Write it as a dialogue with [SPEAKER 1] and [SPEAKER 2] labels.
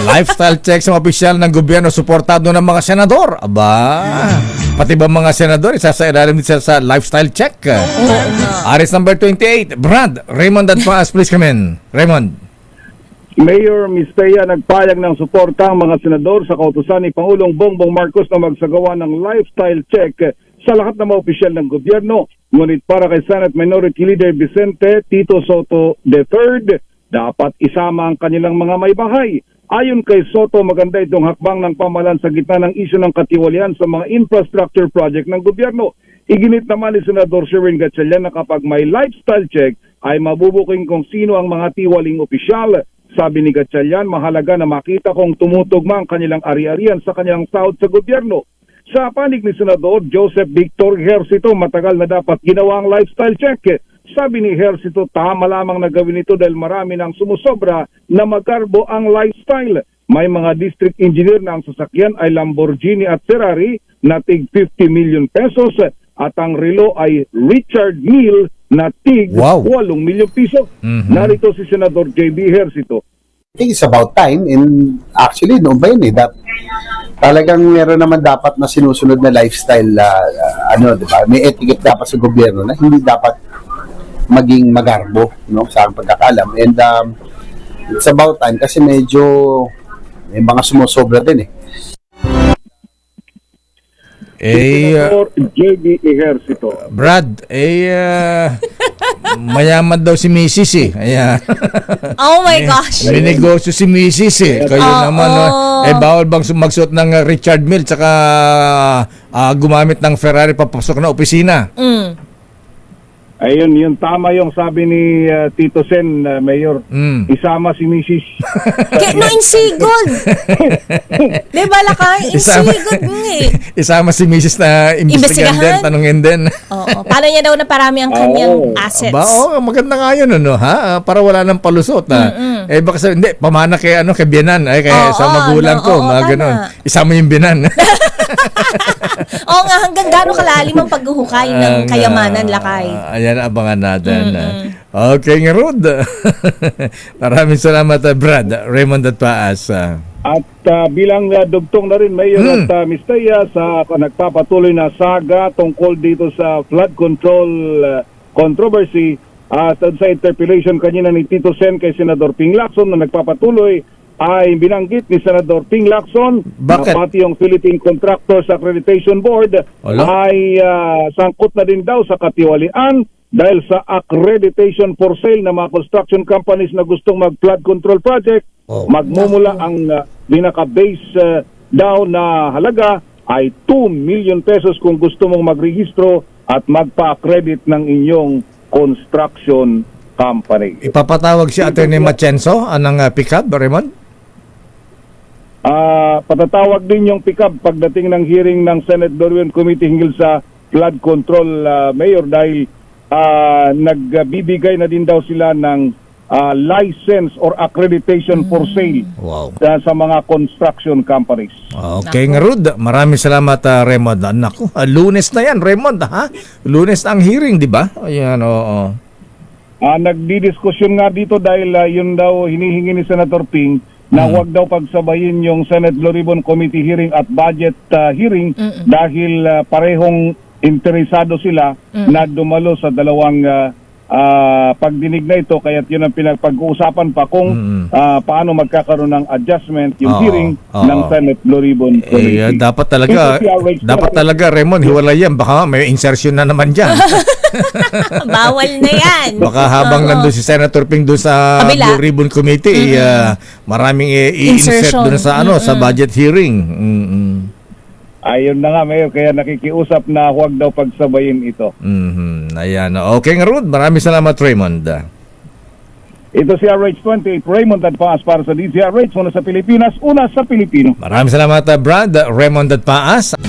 [SPEAKER 1] Lifestyle check sa mga opisyal ng gobyerno suportado ng mga senador. Aba, pati ba mga senador isasailalim din sa lifestyle check? Aris number 28, Brad, Raymond Adpaas, please come in. Raymond.
[SPEAKER 2] Mayor Mistea nagpayag ng suporta ang mga senador sa kautusan ni Pangulong Bongbong Marcos na magsagawa ng lifestyle check sa lahat ng mga opisyal ng gobyerno. Ngunit para kay Senate Minority Leader Vicente Tito Soto III, dapat isama ang kanilang mga may bahay. Ayon kay Soto, maganda itong hakbang ng pamahalaan sa gitna ng isyu ng katiwalian sa mga infrastructure project ng gobyerno. Iginit naman ni Senador Sherwin Gatchalian na kapag may lifestyle check ay mabubuking kung sino ang mga tiwaling opisyal. Sabi ni Gatchalian, mahalaga na makita kung tumutugma ang kanilang ari-arian sa kanilang sahod sa gobyerno. Sa panig ni Senador Joseph Victor Ejercito, matagal na dapat ginawa ang lifestyle check. Sabi ni Ejercito, tama lamang na gawin ito dahil marami nang sumusobra na magkarbo ang lifestyle. May mga district engineer na ang sasakyan ay Lamborghini at Ferrari na tig 50 million pesos at ang relo ay Richard Mille na tig 8 milyong piso. Narito si Senador JB Ejercito.
[SPEAKER 3] I think it's about time, and actually no ba yun that talagang meron naman dapat na sinusunod na lifestyle, di ba? May etiquette dapat sa gobyerno na hindi dapat maging magarbo, no, sa aking pagkakalam. And it's about time kasi medyo may mga sumusobra din
[SPEAKER 2] Senador JB Ejercito.
[SPEAKER 1] Brad, mayaman daw si Mrs. Ayan.
[SPEAKER 4] Oh my gosh.
[SPEAKER 1] May negosyo si Mrs. Kayo naman, bawal bang magsuot ng Richard Mille tsaka gumamit ng Ferrari papasok na opisina?
[SPEAKER 2] Ayun, yun tama yung sabi ni Tito Sen, Mayor. Isama si Mrs.
[SPEAKER 4] No, insigod. Diba lakay? Insigod
[SPEAKER 1] Isama si Mrs. na imbestigahan din, tanungin din.
[SPEAKER 4] Oo. Paano niya daw na parami ang kanyang assets?
[SPEAKER 1] Maganda nga yun, ha? Para wala nang palusot. Baka sabi, hindi, pamana kay biyanan, kay sa magulang ko, mga ganun. Isama yung biyanan.
[SPEAKER 4] Oo nga, hanggang gano'ng kalalim ang paghuhukay ng kayamanan, lakay.
[SPEAKER 1] Ayan, abangan natin. Okay, nga Rod. Maraming salamat, Brad. Raymond Adpaas.
[SPEAKER 2] At bilang dugtong na rin, Mayor at Mistea, sa nagpapatuloy na saga tungkol dito sa flood control controversy at sa interpellation kanina ni Tito Sen kay Senador Ping Lacson na nagpapatuloy, ay binanggit ni Senador Ping Lacson na pati yung Philippine Contractors Accreditation Board ay sangkot na din daw sa katiwalian dahil sa accreditation for sale ng mga construction companies na gustong mag-flood control project. Magmumula ang pinaka-base daw na halaga ay 2 million pesos kung gusto mong magrehistro at magpa-accredit ng inyong construction company.
[SPEAKER 1] Ipapatawag si Atty. Machenzo ng pickup, Raymond?
[SPEAKER 2] Patatawag din yung pickup pagdating ng hearing ng Senate Dorwin Committee hinggil sa flood control, Mayor, dahil nagbibigay na din daw sila ng license or accreditation for sale sa mga construction companies.
[SPEAKER 1] Okay, nga Rod. Maraming salamat, Raymond. Naku, Lunes na yan, Raymond, ha? Lunes na ang hearing, di ba? Ayan, oo.
[SPEAKER 2] Nagdidiskusyon nga dito dahil yun daw hinihingi ni Senator Ping na huwag daw pagsabayin yung Senate Blue Ribbon Committee hearing at budget hearing dahil parehong interesado sila na dumalo sa dalawang pagdinig na ito, kaya yun ang pinagpag-uusapan pa kung paano magkakaroon ng adjustment yung hearing ng Senate Blue Ribbon Committee.
[SPEAKER 1] Dapat talaga, Raymond, hiwalay yan. Baka may insertion na naman dyan.
[SPEAKER 4] Bawal na yan.
[SPEAKER 1] Baka habang nandun si Senator Ping doon sa Blue Ribbon Committee, maraming i-insert doon sa sa budget hearing.
[SPEAKER 2] Ayun na nga, Mayor, kaya nakikiusap na huwag daw pagsabayin ito.
[SPEAKER 1] Ayan. Okay nga, Rod. Maraming salamat, Raymond.
[SPEAKER 2] Ito si RH28, Raymond Adpaas para sa DZRH, una sa Pilipinas, una sa Pilipino.
[SPEAKER 1] Maraming salamat, Brad. Raymond Adpaas.